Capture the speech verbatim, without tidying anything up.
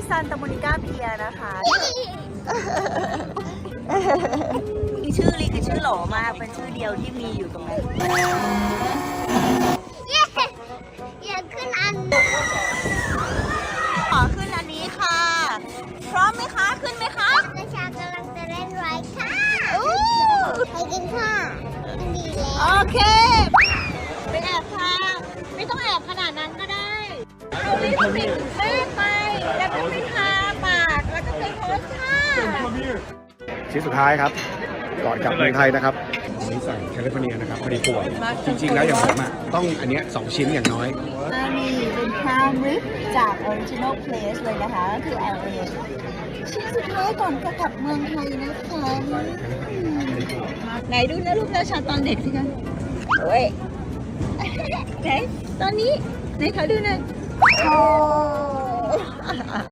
ซานตาโมนิก้าเพียนะคะชื่อลีคือชื่อหล่อมากเป็นชื่อเดียวที่มีอยู่ตรงนั้นอยากขึ้นอันขอขึ้นอันนี้ค่ะพร้อมไหมคะขึ้นไหมคะกระชากำลังจะเล่นไรค่ะไปกินค่ะมันดีแล้วโอเคไปแอบค่ะไม่ต้องแอบขนาดนั้นก็ได้เอาลิ้นปิดแม่ไปแล้วก็ไปทาปากแล้วก็ไปโพสท่าชิ้นสุดท้ายครับก่อนกลับเมืองไทยนะครับอันนี้สั่งแคลิฟอร์เนียนะครับพอดีป่วยจริงๆแล้วอย่างผมอ่ะต้องอันเนี้ยสองชิ้นอย่างน้อยอันนี้เป็นพราวริบจาก Original Place เลยนะคะก็คือ แอล เอ ชิ้นสุดท้ายก่อนจะกลับเมืองไทยนะคะไหนดูนะลูกนะชาตอนเด็กสิคะโอ้ยไหนตอนนี้ไหนขอดูหน่อยโอ้